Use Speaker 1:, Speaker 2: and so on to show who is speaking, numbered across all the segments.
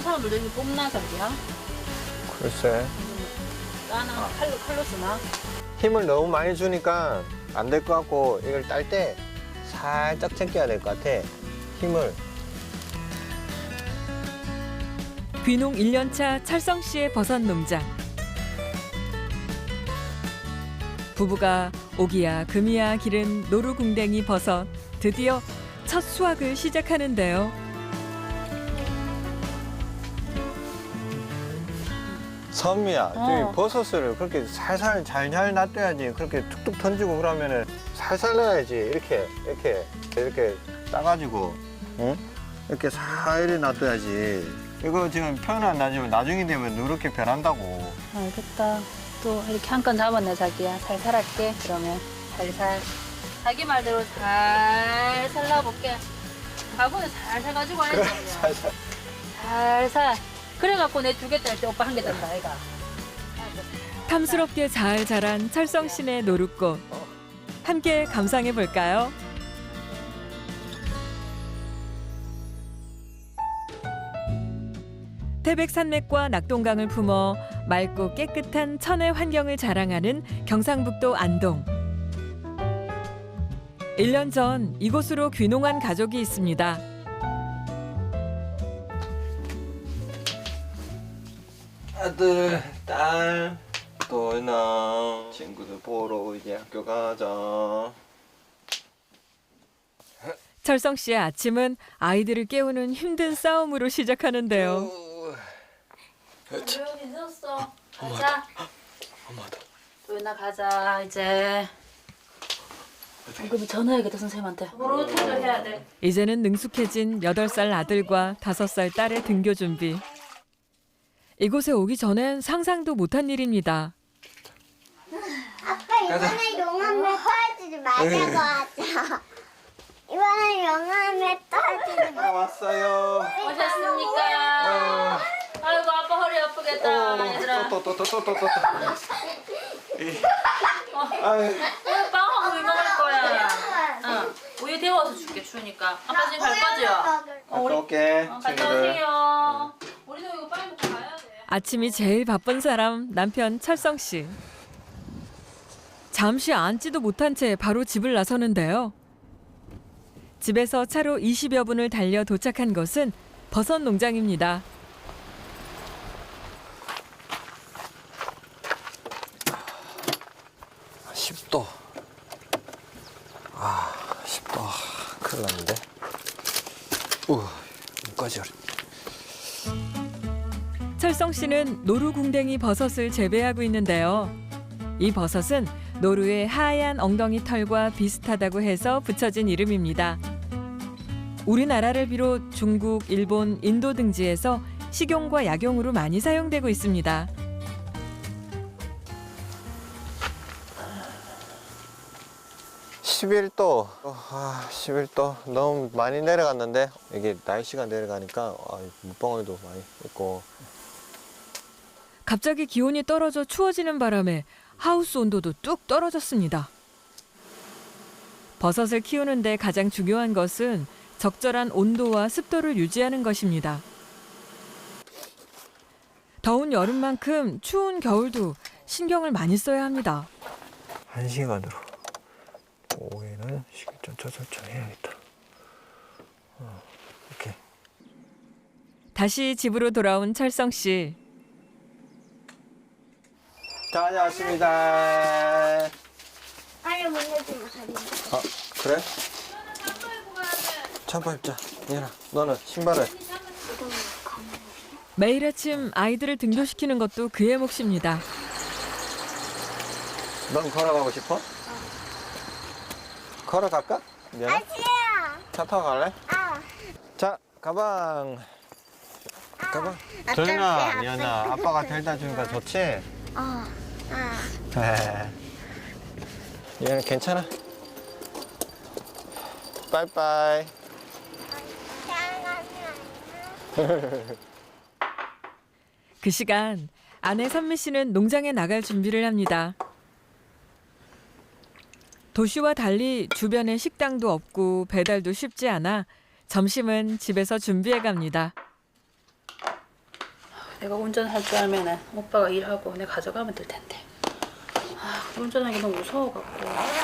Speaker 1: 사람들도 이렇게 뽑나 자기야?
Speaker 2: 글쎄.
Speaker 1: 나나 칼로 쓰나?
Speaker 2: 힘을 너무 많이 주니까 안 될 것 같고 이걸 딸 때 살짝 제껴야 될 것 같아. 힘을.
Speaker 3: 귀농 1년차 찰성 씨의 버섯 농장. 부부가 오기야 금이야 기른 노루궁뎅이 버섯. 드디어 첫 수확을 시작하는데요.
Speaker 2: 선미야, 저기 버섯을 그렇게 살살 잘잘 놔둬야지. 그렇게 툭툭 던지고 그러면은 살살 놔야지. 이렇게 따가지고, 응? 이렇게 살이 놔둬야지. 이거 지금 표현 안 나지만 나중에 되면 누렇게 변한다고.
Speaker 1: 알겠다. 또 이렇게 한 건 잡았네 자기야. 살살 할게. 그러면 살살. 자기 말대로 살살 놔볼게. 바구니 살살 가지고 와야지.
Speaker 2: 살살.
Speaker 1: 살살. 그래갖고 내 2개 딸 때 오빠 1개 딴다 아이가.
Speaker 3: 탐스럽게 잘 자란 찰성 씨네 노루꽃. 함께 감상해 볼까요? 태백 산맥과 낙동강을 품어 맑고 깨끗한 천혜 환경을 자랑하는 경상북도 안동. 1년 전 이곳으로 귀농한 가족이 있습니다.
Speaker 2: 아들, 딸, 도연아, 친구들 보러 이제 학교 가자.
Speaker 3: 철성 씨의 아침은 아이들을 깨우는 힘든 싸움으로 시작하는데요.
Speaker 1: 조용히 늦었어. 가자.
Speaker 2: 엄마다.
Speaker 1: 도연아 가자 이제. 그럼 전화해야겠다 선생님한테. 바로 퇴근해야 돼.
Speaker 3: 이제는 능숙해진 8살 아들과 5살 딸의 등교 준비. 이곳에 오기 전엔 상상도 못한 일입니다.
Speaker 4: 아빠 이번에 용암에 떨어지지 말자고 하자. 이번에 용암에 떨어지지 말.
Speaker 2: 왔어요.
Speaker 1: 오셨습니까? 아이고 아빠 허리 아프겠다 얘들아.
Speaker 2: 또.
Speaker 1: 빵하고 물 먹을 거야. 우유 데워서 줄게 추우니까. 아빠 지금 갈 거죠?
Speaker 2: 갔다 올게,
Speaker 1: 갔다
Speaker 2: 친구들.
Speaker 1: 오세요. 우리도 이거 빨리 먹고 가야 돼.
Speaker 3: 아침이 제일 바쁜 사람 남편 철성 씨. 잠시 앉지도 못한 채 바로 집을 나서는데요. 집에서 차로 20여 분을 달려 도착한 곳은 버섯 농장입니다.
Speaker 2: 아, 10도. 10도. 큰일 났는데. 여기까지.
Speaker 3: 철성 씨는 노루궁뎅이 버섯을 재배하고 있는데요. 이 버섯은 노루의 하얀 엉덩이 털과 비슷하다고 해서 붙여진 이름입니다. 우리나라를 비롯 중국, 일본, 인도 등지에서 식용과 약용으로 많이 사용되고 있습니다.
Speaker 2: (11도) 11도 너무 많이 내려갔는데 이게 날씨가 내려가니까 물방울도 많이 있고.
Speaker 3: 갑자기 기온이 떨어져 추워지는 바람에 하우스 온도도 뚝 떨어졌습니다. 버섯을 키우는데 가장 중요한 것은 적절한 온도와 습도를 유지하는 것입니다. 더운 여름만큼 추운 겨울도 신경을 많이 써야 합니다.
Speaker 2: 1시간으로 오후에는 식을 좀 조절해야겠다. 이렇게.
Speaker 3: 다시 집으로 돌아온 철성 씨.
Speaker 2: 다녀왔습니다.
Speaker 4: 빨리 문 열지 마.
Speaker 2: 그래? 잠바 입자. 얘나 너는 신발을.
Speaker 3: 매일 아침 아이들을 등교시키는 것도 그의 몫입니다.
Speaker 2: 넌 걸어가고 싶어? 걸어갈까? 미안해.
Speaker 4: 아시야.
Speaker 2: 차 타고 갈래? 자, 가방. 도연아, 미안아. 아빠가 데려다 주니까 좋지? 얘는 괜찮아. 빠이빠이.
Speaker 3: 그 시간 아내 선미 씨는 농장에 나갈 준비를 합니다. 도시와 달리 주변에 식당도 없고 배달도 쉽지 않아 점심은 집에서 준비해 갑니다.
Speaker 1: 내가 운전할 줄 알면은 오빠가 일하고 내가 가져가면 될 텐데. 아, 운전하기 너무 무서워갖고.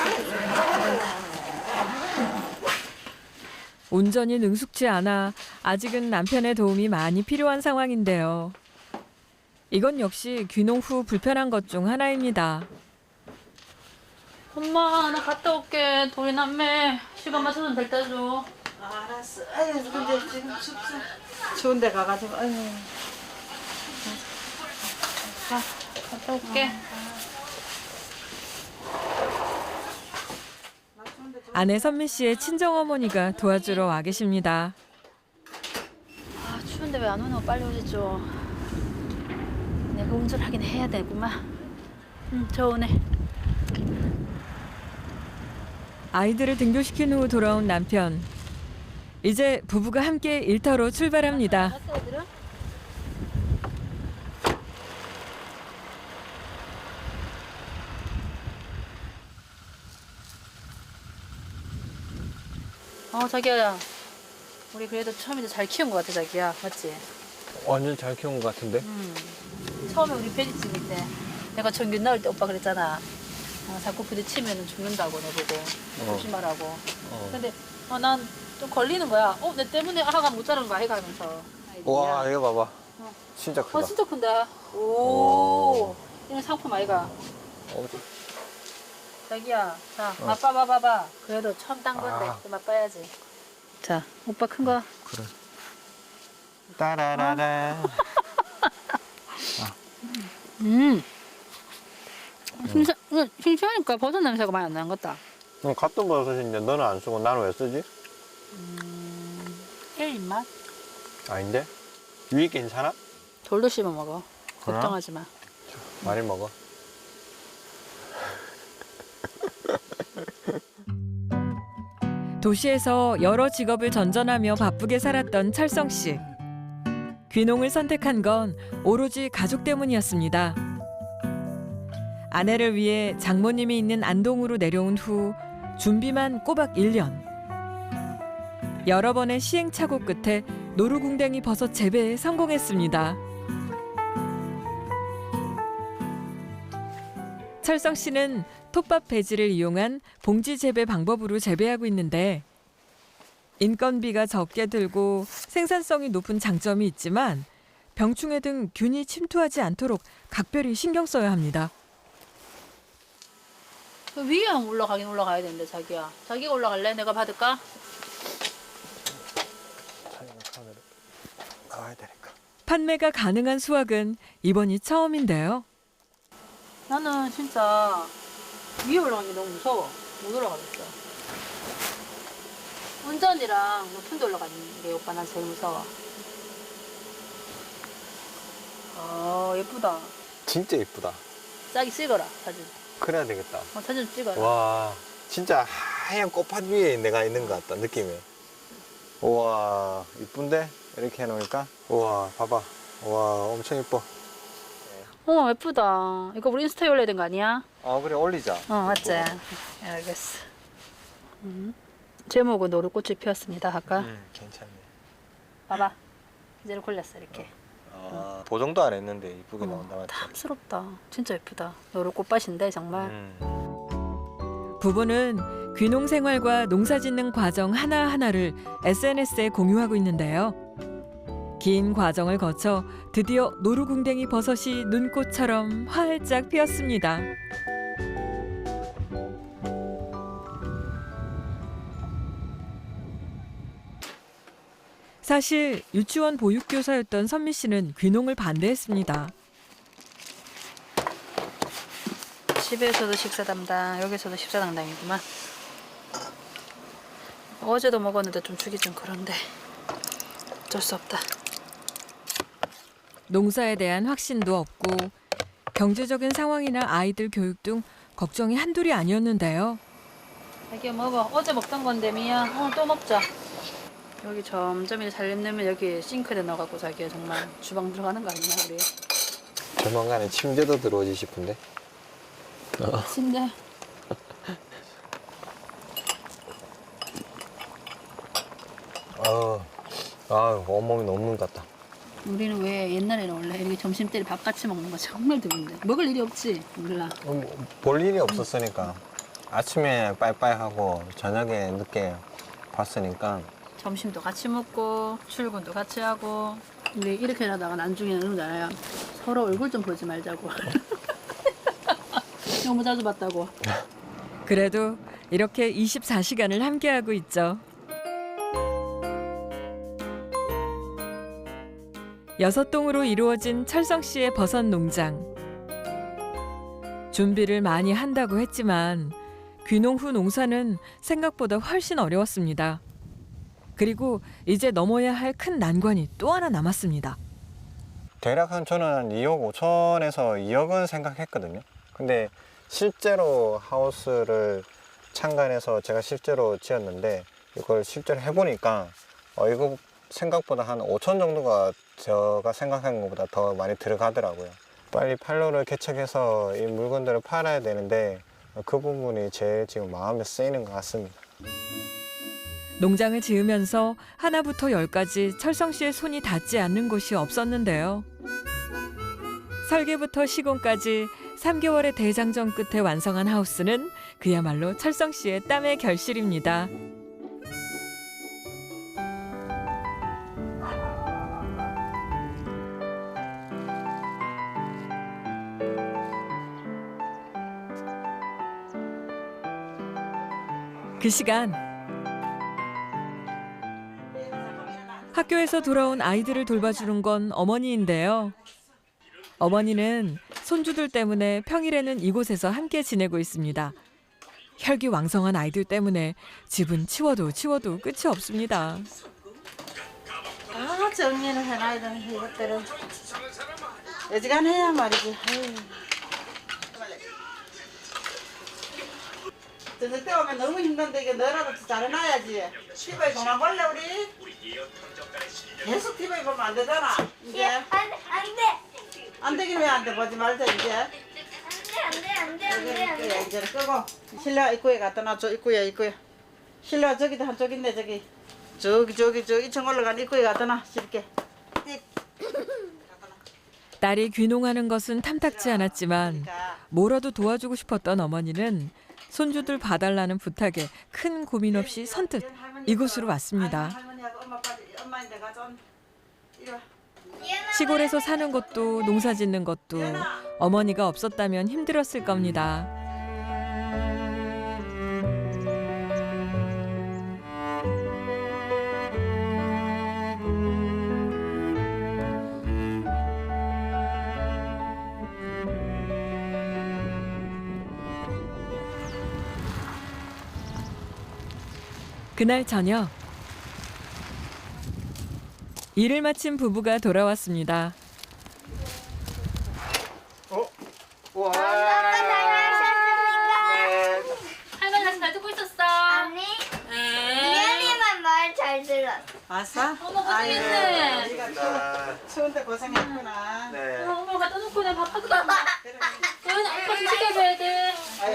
Speaker 3: 운전이 능숙지 않아 아직은 남편의 도움이 많이 필요한 상황인데요. 이건 역시 귀농 후 불편한 것 중 하나입니다.
Speaker 1: 엄마, 나 갔다 올게. 도리 남매 시간 맞춰서 될 때 줘.
Speaker 5: 알았어. 아유, 근데 지금 추운 데 가가지고, 아유.
Speaker 1: 갔다 올게.
Speaker 3: 아내 선미 씨의 친정어머니가 도와주러 와 계십니다.
Speaker 1: 아, 추운데 왜 안 오나? 빨리 오시죠. 내가 운전하긴 해야 되구만. 저 오네.
Speaker 3: 아이들을 등교시킨 후 돌아온 남편. 이제 부부가 함께 일터로 출발합니다.
Speaker 1: 갔어, 애들은? 자기야. 우리 그래도 처음이자 잘 키운 것 같아, 자기야. 맞지?
Speaker 2: 완전 잘 키운 것 같은데?
Speaker 1: 처음에 우리 돼지 찍을 때 내가 전균 나올 때 오빠 그랬잖아. 자꾸 부딪히면 죽는다고 내보고 조심하라고. 근데 난 좀 걸리는 거야. 내 때문에 아가 못 자란 거 아이가 하면서.
Speaker 2: 와, 이거 봐봐. 진짜 크다.
Speaker 1: 진짜 큰다. 오. 이런 상품 아이가.
Speaker 2: 어,
Speaker 1: 자기야, 자, 맛봐 봐봐. 그래도 처음 딴 건데 좀 맛봐야지. 자, 오빠 큰 거.
Speaker 2: 그래. 따라라라.
Speaker 1: 싱싱하니까 버섯 냄새가 많이 안 나는 것 같다.
Speaker 2: 같은 버섯인데 너는 안 쓰고 나는 왜 쓰지?
Speaker 1: 1인맛?
Speaker 2: 아닌데? 유익 괜찮아?
Speaker 1: 돌도 씹어 먹어.
Speaker 2: 그래?
Speaker 1: 걱정하지 마.
Speaker 2: 많이 먹어.
Speaker 3: 도시에서 여러 직업을 전전하며 바쁘게 살았던 철성 씨. 귀농을 선택한 건 오로지 가족 때문이었습니다. 아내를 위해 장모님이 있는 안동으로 내려온 후 준비만 꼬박 1년. 여러 번의 시행착오 끝에 노루궁뎅이 버섯 재배에 성공했습니다. 철성 씨는 톱밥 배지를 이용한 봉지 재배 방법으로 재배하고 있는데 인건비가 적게 들고 생산성이 높은 장점이 있지만 병충해 등 균이 침투하지 않도록 각별히 신경 써야 합니다.
Speaker 1: 그 위에 올라가긴 올라가야 되는데 자기야. 자기가 올라갈래? 내가 받을까?
Speaker 2: 나와야 되니까.
Speaker 3: 판매가 가능한 수확은 이번이 처음인데요.
Speaker 1: 나는 진짜 위에 올라가는 게 너무 무서워. 못 올라가겠어. 운전이랑 높은 데 올라가는 게 오빠 난 제일 무서워. 예쁘다.
Speaker 2: 진짜 예쁘다.
Speaker 1: 짝이 찍어라 사진.
Speaker 2: 그래야 되겠다.
Speaker 1: 사진 찍어라.
Speaker 2: 와, 진짜 하얀 꽃밭 위에 내가 있는 것 같다, 느낌이. 우와, 이쁜데? 이렇게 해놓으니까. 우와, 봐봐. 우와, 엄청 예뻐.
Speaker 1: 예쁘다. 이거 우리 인스타에 올려야 되는 거 아니야?
Speaker 2: 그래, 올리자.
Speaker 1: 맞지? 알겠어. 제목은 노루꽃이 피었습니다. 아까
Speaker 2: 괜찮네.
Speaker 1: 봐봐. 이제는 골랐어 이렇게.
Speaker 2: 보정도 안 했는데 이쁘게 나온다, 맞지?
Speaker 1: 탐스럽다. 진짜 예쁘다. 노루꽃밭인데 정말.
Speaker 3: 부부는 귀농 생활과 농사 짓는 과정 하나하나를 SNS에 공유하고 있는데요. 긴 과정을 거쳐 드디어 노루궁뎅이 버섯이 눈꽃처럼 활짝 피었습니다. 사실 유치원 보육교사였던 선미 씨는 귀농을 반대했습니다.
Speaker 1: 집에서도 식사 담당, 여기서도 식사 담당이구만. 어제도 먹었는데 좀 주기 좀 그런데 어쩔 수 없다.
Speaker 3: 농사에 대한 확신도 없고 경제적인 상황이나 아이들 교육 등 걱정이 한둘이 아니었는데요.
Speaker 1: 자기야 먹어. 어제 먹던 건데 미야. 또 먹자. 여기 점점 이제 살림내면 여기 싱크대 넣어갖고 자기야 정말 주방 들어가는 거 아니냐 우리.
Speaker 2: 조만간에 침대도 들어오지 싶은데.
Speaker 1: 침대.
Speaker 2: 온몸이 녹는 것 같다.
Speaker 1: 우리는 왜 옛날에는 원래 이렇게 점심 때 밥 같이 먹는 거 정말 드문데 먹을 일이 없지 몰라.
Speaker 2: 볼 일이 없었으니까 아침에 빠이빠이 하고 저녁에 늦게 봤으니까
Speaker 1: 점심도 같이 먹고 출근도 같이 하고. 근데 이렇게 하다가 나중에는 그러잖아요. 서로 얼굴 좀 보지 말자고. 너무 자주 봤다고.
Speaker 3: 그래도 이렇게 24시간을 함께하고 있죠. 6동으로 이루어진 철성 씨의 버섯 농장. 준비를 많이 한다고 했지만 귀농 후 농사는 생각보다 훨씬 어려웠습니다. 그리고 이제 넘어야 할 큰 난관이 또 하나 남았습니다.
Speaker 2: 대략 한 저는 2억 5천에서 2억은 생각했거든요. 근데 실제로 하우스를 창간해서 제가 실제로 지었는데 이걸 실제로 해보니까 이거 생각보다 한 5천 정도가 제가 생각한 것보다 더 많이 들어가더라고요. 빨리 판로를 개척해서 이 물건들을 팔아야 되는데 그 부분이 제일 지금 마음에 쓰이는 것 같습니다.
Speaker 3: 농장을 지으면서 하나부터 10까지 철성 씨의 손이 닿지 않는 곳이 없었는데요. 설계부터 시공까지 3개월의 대장정 끝에 완성한 하우스는 그야말로 철성 씨의 땀의 결실입니다. 그 시간 학교에서 돌아온 아이들을 돌봐주는 건 어머니인데요. 어머니는 손주들 때문에 평일에는 이곳에서 함께 지내고 있습니다. 혈기왕성한 아이들 때문에 집은 치워도 끝이 없습니다.
Speaker 5: 아 정리는 해놔야 되는 이것들은 여지간 해야 말이지. 저녁 때 오면 너무 힘든데 이게 너라도 잘해놔야지. TV에 그만 볼래 우리? 계속 TV에 보면 안 되잖아. 이제 안 되긴 왜 안 돼? 보지 말자 이제.
Speaker 4: 안돼.
Speaker 5: 이제 끄고 실내 입구에 갖다 놔줘. 입구에. 실내 저기도 한쪽 있네 저기. 저기 2층 올라간 입구에 갖다 놔. 쉽게.
Speaker 3: 딸이 귀농하는 것은 탐탁지 않았지만 뭐라도 도와주고 싶었던 어머니는 손주들 봐달라는 부탁에 큰 고민 없이 선뜻 이곳으로 왔습니다.
Speaker 5: 할머니하고 엄마인데 가져온. 이리 와.
Speaker 3: 시골에서 사는 것도 농사 짓는 것도 어머니가 없었다면 힘들었을 겁니다. 그날 저녁 일을 마친 부부가 돌아왔습니다.
Speaker 2: 와.
Speaker 1: 할머니 잘 듣고 있었어.
Speaker 4: 아니 미연이만 말 잘 들었어.
Speaker 5: 왔어?
Speaker 1: 어머 고생했네.
Speaker 5: 네가 추운데 고생했구나.
Speaker 2: 네.
Speaker 1: 어머 갖다 놓고 내가 밥 하고 나면 너희는 아빠 좀 지켜줘야 돼.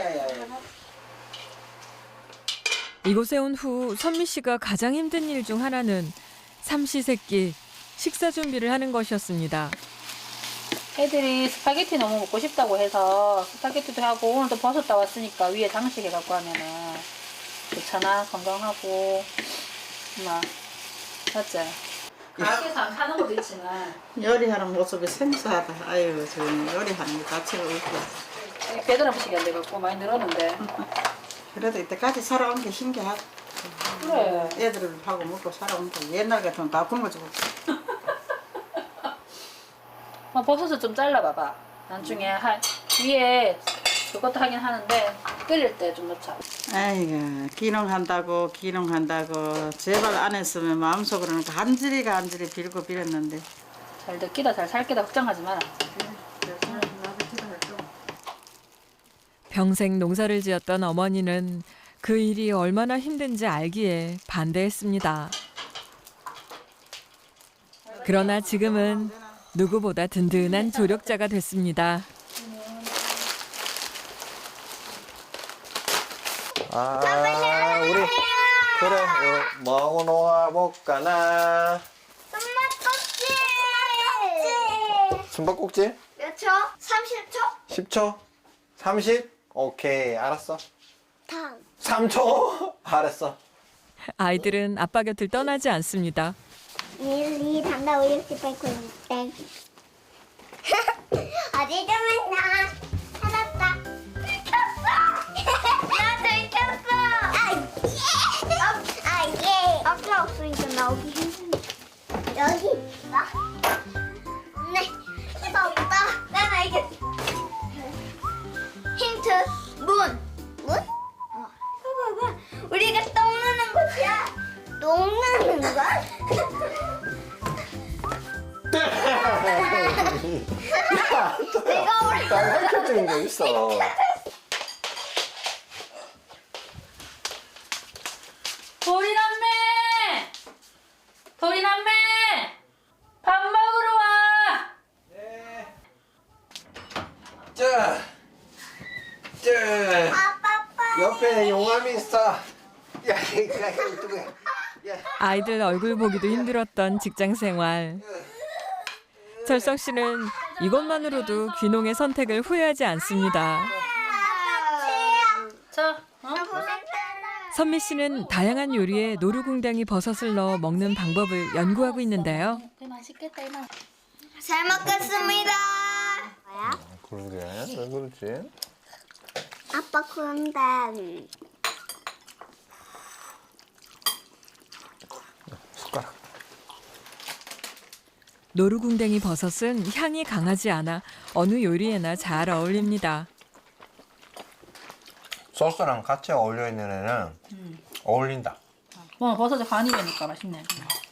Speaker 3: 이곳에 온 후 선미 씨가 가장 힘든 일 중 하나는 삼시세끼 식사 준비를 하는 것이었습니다.
Speaker 1: 애들이 스파게티 너무 먹고 싶다고 해서 스파게티도 하고 오늘 또 버섯 따왔으니까 위에 장식해갖고 하면은 좋잖아. 건강하고 막 맞지? 가게에서 안 파는 것도 있지만
Speaker 5: 요리하는 모습이 생소하다. 아유, 저 요리하는 게 가치가 없고.
Speaker 1: 배달 음식이 안 돼갖고 많이 늘었는데
Speaker 5: 그래도 이때까지 살아온 게 신기하다.
Speaker 1: 그래.
Speaker 5: 애들하고 먹고 살아온 게 옛날 같으면 다 굶어주고.
Speaker 1: 버섯을 좀 잘라봐봐. 나중에 위에 그것도 하긴 하는데 끓일 때 좀 넣자.
Speaker 5: 아이고, 기농한다고 제발 안 했으면 마음속으로는 간질이 빌고 빌었는데.
Speaker 1: 잘 듣기다 잘 살기다 걱정하지 마라.
Speaker 3: 평생 농사를 지었던 어머니는 그 일이 얼마나 힘든지 알기에 반대했습니다. 그러나 지금은 누구보다 든든한 조력자가 됐습니다.
Speaker 2: 우리 그래 뭐하고 놀아볼까나.
Speaker 4: 엄마 껍질.
Speaker 2: 숨바꼭질?
Speaker 4: 몇 초? 30초?
Speaker 2: 10초? 30? 오케이, 알았어.
Speaker 4: 다음.
Speaker 2: 3초? 알았어.
Speaker 3: 아이들은 아빠 곁을 떠나지 않습니다.
Speaker 4: 1, 2, 3, 4, 5, 6, 7, 8, 9, 10, 땡. 어디 좀 했나? 찾았다. 들켰어! 나 들켰어! 아, 예! 아까 없으니까 나오기 힘드네. 여기 있어? 없네. 이거 없다. 난 알겠어. 힌트. 문. 문? 봐봐. 우리가 똥 누는 곳이야. 똥 누는 거? 내가 올라.
Speaker 2: 가르쳐주는 게 있어.
Speaker 1: 도리남매! 도리남매! 밥 먹으러 와!
Speaker 2: 자,
Speaker 4: 아빠.
Speaker 2: 옆에 용암이 있어. 야, 이거 야.
Speaker 3: 아이들 얼굴 보기도 힘들었던 직장 생활. 철성 씨는 이것만으로도 귀농의 선택을 후회하지 않습니다.
Speaker 1: 자, 어?
Speaker 3: 선미 씨는 다양한 요리에 노루궁뎅이 버섯을 넣어 먹는 방법을 연구하고 있는데요.
Speaker 1: 그래 맛있겠다 이놈.
Speaker 4: 잘 먹겠습니다. 뭐야?
Speaker 2: 그러게, 왜 그러지?
Speaker 4: 아빠 그런데
Speaker 2: 숟가락.
Speaker 3: 노루궁뎅이 버섯은 향이 강하지 않아 어느 요리에나 잘 어울립니다.
Speaker 2: 소스랑 같이 어울려 있는 애는 어울린다.
Speaker 1: 버섯에 간이 되니까 맛있네.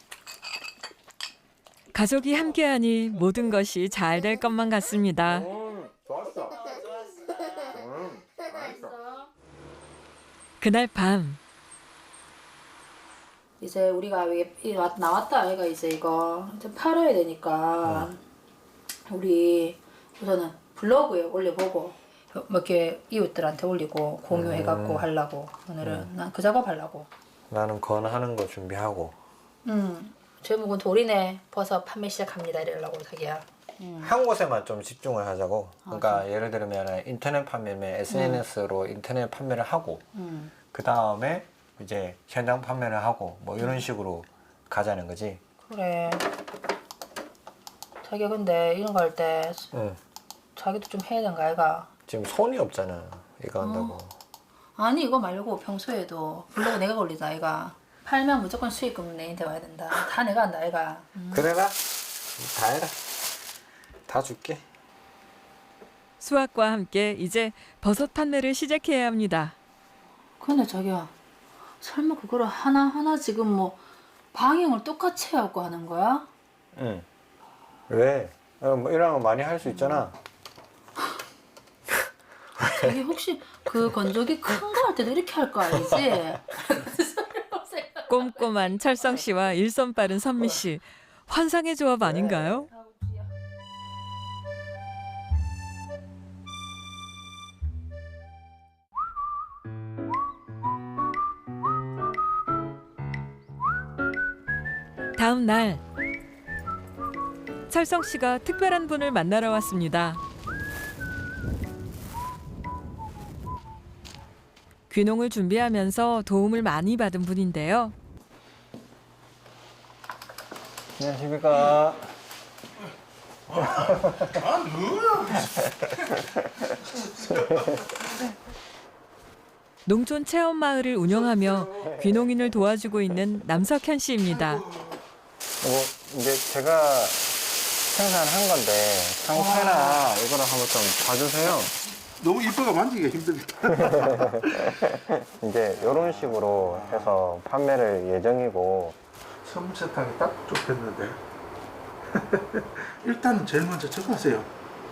Speaker 3: 가족이 함께하니 모든 것이 잘 될 것만 같습니다.
Speaker 2: 좋았어.
Speaker 3: 그날 밤
Speaker 1: 이제 우리가 나왔다 아이가 이제 이거 이제 팔아야 되니까 우리 우선은 블로그에 올려보고 뭐 이렇게 이웃들한테 올리고 공유해갖고 하려고 오늘은 난 그 작업 하려고.
Speaker 2: 나는 건하는 거 준비하고.
Speaker 1: 제목은 도리네 버섯 판매 시작합니다 이러려고 자기야.
Speaker 2: 한 곳에만 좀 집중을 하자고. 그러니까 예를 들면 인터넷 판매면 SNS로 인터넷 판매를 하고 그 다음에 이제 현장 판매를 하고 뭐 이런 식으로 가자는 거지.
Speaker 1: 그래. 자기야 근데 이런 거 할 때
Speaker 2: 응.
Speaker 1: 자기도 좀 해야 되는 거 아이가?
Speaker 2: 지금 손이 없잖아. 이거 한다고.
Speaker 1: 아니 이거 말고 평소에도 블로그 내가 올리자 아이가. 팔면 무조건 수익금 내한테 와야 된다. 다 내가 한다 아이가.
Speaker 2: 그래라. 다 해라. 다 줄게.
Speaker 3: 수확과 함께 이제 버섯 판매를 시작해야 합니다.
Speaker 1: 근데 자기야 설마 그거를 하나하나 지금 뭐 방향을 똑같이 해갖고 하는 거야?
Speaker 2: 응. 왜? 뭐 이런 거 많이 할 수 있잖아.
Speaker 1: 자기 혹시 그 건조기 큰 거 할 때도 이렇게 할 거 아니지?
Speaker 3: 꼼꼼한 철성 씨와 일손 빠른 선미 씨. 환상의 조합 아닌가요? 다음 날 철성 씨가 특별한 분을 만나러 왔습니다. 귀농을 준비하면서 도움을 많이 받은 분인데요.
Speaker 2: 안녕하십니까.
Speaker 3: 농촌 체험 마을을 운영하며 귀농인을 도와주고 있는 남석현 씨입니다.
Speaker 2: 이제 제가 생산한 건데 상태나 이거를 한번 좀 봐주세요.
Speaker 6: 너무 이뻐가 만지기가 힘듭니다.
Speaker 2: 이제 이런 식으로 해서 판매를 예정이고.
Speaker 6: 섬세하게 딱 좁혔는데 일단은 제일 먼저 저거 하세요.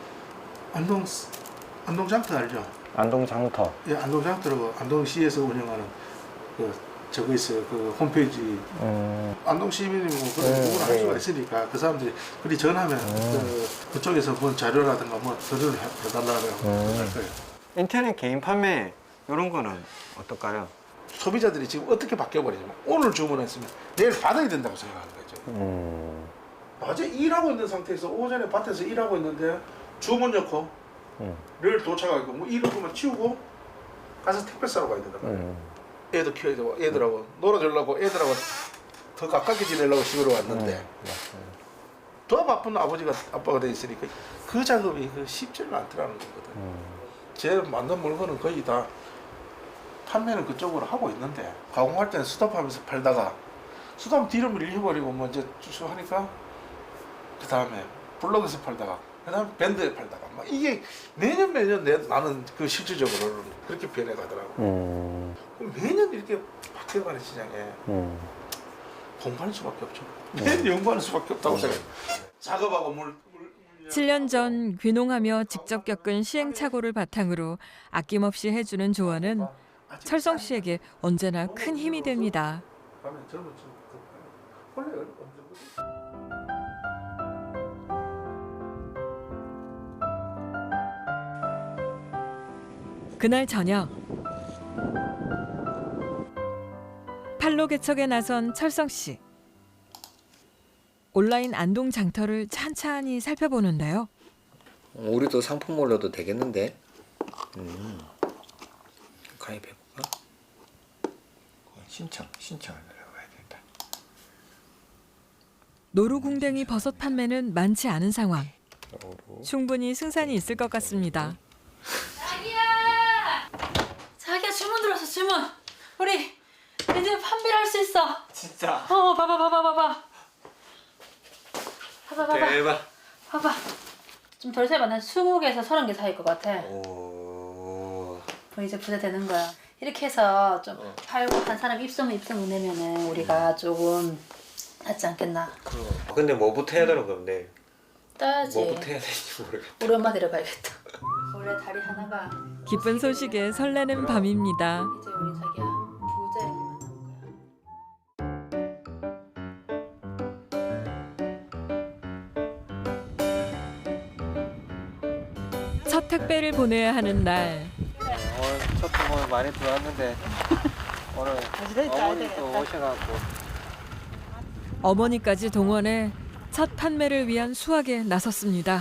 Speaker 6: 안동장터 알죠?
Speaker 2: 안동장터.
Speaker 6: 예, 안동장터로 안동시에서 운영하는 그 저거 있어요. 그 홈페이지. 안동 시민이 뭐 그런 부분을 할 수가 있으니까 그 사람들이 그리 전하면 그쪽에서 본 자료라든가 뭐 서류를 해달라고 할 거예요.
Speaker 2: 인터넷 개인 판매 이런 거는 어떨까요?
Speaker 6: 소비자들이 지금 어떻게 바뀌어버리냐면 오늘 주문했으면 내일 받아야 된다고 생각하는 거죠. 낮에 일하고 있는 상태에서 오전에 밭에서 일하고 있는데 주문 넣고 를 도착하고 뭐 일을 그만 치우고 가서 택배 싸러 가야 된다 말이야. 애도 키워야 되고 애들하고 놀아주려고 애들하고 더 가깝게 지내려고 집으로 왔는데 더 바쁜 아빠가 돼 있으니까 그 작업이 쉽지는 않더라는 거거든. 제 만든 물건은 거의 다 판매는 그쪽으로 하고 있는데 가공할 때는 수납하면서 팔다가 수납 뒤로 밀려버리고 뭐 이제 쭉 하니까 그 다음에 블록에서 팔다가 그 다음에 밴드에 팔다가 막 이게 매년 나는 그 실질적으로는 그렇게 변해가더라고. 그럼 매년 이렇게 바뀌어가는 시장에 공부하는 수밖에 없죠. 매년 연구하는 수밖에 없다고 생각해요. 작업하고 물
Speaker 3: 7년 전 귀농하며 직접 겪은 시행착오를 바탕으로 아낌없이 해주는 조언은 철성 씨에게 언제나 큰 힘이 됩니다.
Speaker 6: 가면 젊은 친구들 원래 언제부터
Speaker 3: 그날 저녁 팔로 개척에 나선 철성 씨. 온라인 안동 장터를 찬찬히 살펴보는데요.
Speaker 2: 우리도 상품 올려도 되겠는데? 가입해볼까? 신청을 들어가야겠다.
Speaker 3: 노루궁뎅이 버섯 판매는 많지 않은 상황. 충분히 승산이 있을 것 같습니다.
Speaker 1: 자기야 주문 들어왔어 주문. 우리 이제 판매를 할 수 있어.
Speaker 2: 진짜?
Speaker 1: 봐봐.
Speaker 2: 대박.
Speaker 1: 봐봐. 좀 덜 세봐. 난 20개에서 30개 사이일 것 같아.
Speaker 2: 오.
Speaker 1: 그럼 이제 부자 되는 거야. 이렇게 해서 좀 팔고 한 사람 입소문 내면은 우리가 조금 낫지 않겠나.
Speaker 2: 근데 뭐부터 해야 되는 건데?
Speaker 1: 따야지.
Speaker 2: 뭐부터 해야 될지 모르겠다.
Speaker 1: 우리 엄마 데려가야겠다. 원래 다리 하나가
Speaker 3: 기쁜 소식에 설레는 밤입니다.
Speaker 1: 이제 우리 자기야 부자의 길 만나는 거야.
Speaker 3: 첫 택배를 보내야 하는 날.
Speaker 2: 오늘 첫 주문 많이 들어왔는데 오늘 어머니도 오셔갖고
Speaker 3: 어머니까지 동원해 첫 판매를 위한 수확에 나섰습니다.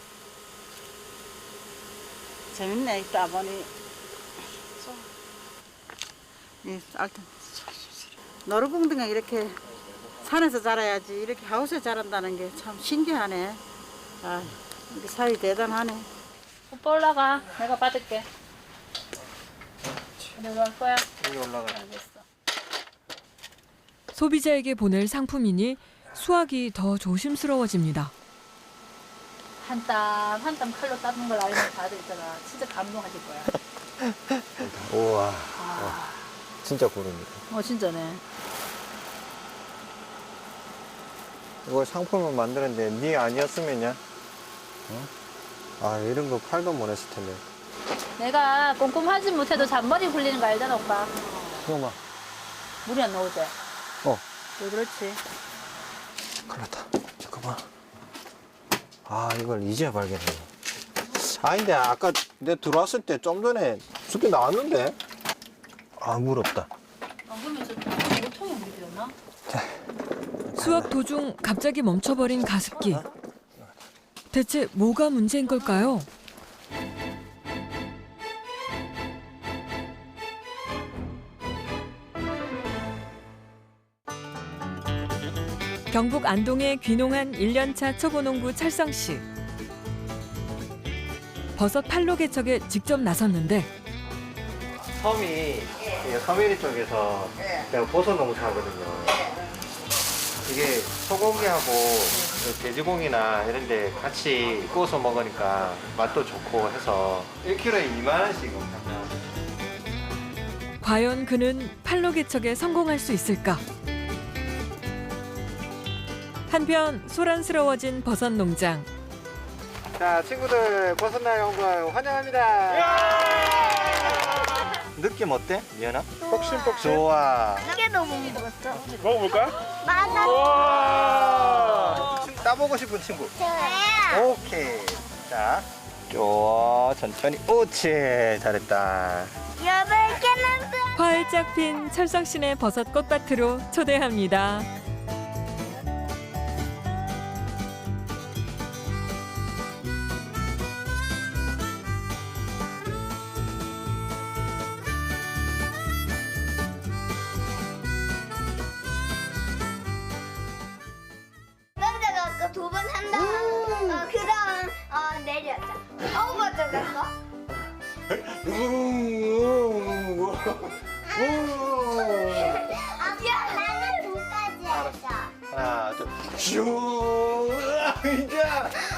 Speaker 5: 재밌네 또 아버님. 이 알튼 노루궁뎅이가 이렇게 산에서 자라야지 이렇게 하우스에 자란다는 게 참 신기하네. 아, 우리 사위 대단하네.
Speaker 1: 오빠 올라가. 내가 받을게. 내가 할 거야.
Speaker 2: 여기 올라가.
Speaker 1: 알겠어.
Speaker 3: 소비자에게 보낼 상품이니 수확이 더 조심스러워집니다.
Speaker 1: 한 땀 칼로 따는 걸 알면 다들 있잖아. 진짜 감동하실 거야.
Speaker 2: 우와.
Speaker 1: 아,
Speaker 2: 진짜 고릅니다.
Speaker 1: 진짜네.
Speaker 2: 이걸 상품을 만드는데 네 아니었으면요? 아 이런 거 팔도 못 했을 텐데.
Speaker 1: 내가 꼼꼼하지 못해도 잔머리 굴리는 거 알잖아, 오빠.
Speaker 2: 이거 봐.
Speaker 1: 물이 안 나오지? 왜 그렇지?
Speaker 2: 큰일 났다. 잠깐만. 아 이걸 이제 발견해. 아닌데 아까 내가 들어왔을 때 좀 전에 숲이 나왔는데. 아 물 없다.
Speaker 1: 안 그러면 저 물통에 물이 비었나?
Speaker 3: 수확 도중 갑자기 멈춰버린 가습기. 대체 뭐가 문제인 걸까요? 경북 안동에 귀농한 1년차 초보농부 철성 씨. 버섯 팔로 개척에 직접 나섰는데
Speaker 2: 섬이 섬해리 쪽에서 내가 버섯 농사하거든요. 이게 소고기하고 돼지고기나 이런 데 같이 구워서 먹으니까 맛도 좋고 해서 1kg에 2만 원씩 합니다.
Speaker 3: 과연 그는 팔로 개척에 성공할 수 있을까? 한편 소란스러워진 버섯 농장.
Speaker 2: 자 친구들 버섯날 온 걸 환영합니다. 느낌 어때? 미연아?
Speaker 6: 폭신폭신.
Speaker 2: 좋아.
Speaker 4: 한 개도 못 먹었어.
Speaker 6: 먹어볼까?
Speaker 4: 맞아.
Speaker 6: 와.
Speaker 2: 따보고 싶은 친구.
Speaker 4: 저야.
Speaker 2: 오케이. 자, 좋아. 천천히. 옳지. 잘했다.
Speaker 4: 8개는
Speaker 3: 활짝 핀 철성 씨네 버섯 꽃밭으로 초대합니다.
Speaker 4: 그다음 내려자. 먼저 갈 거? 아빠 나는 2까지 하자.
Speaker 2: 하나, 둘, 슈! 이제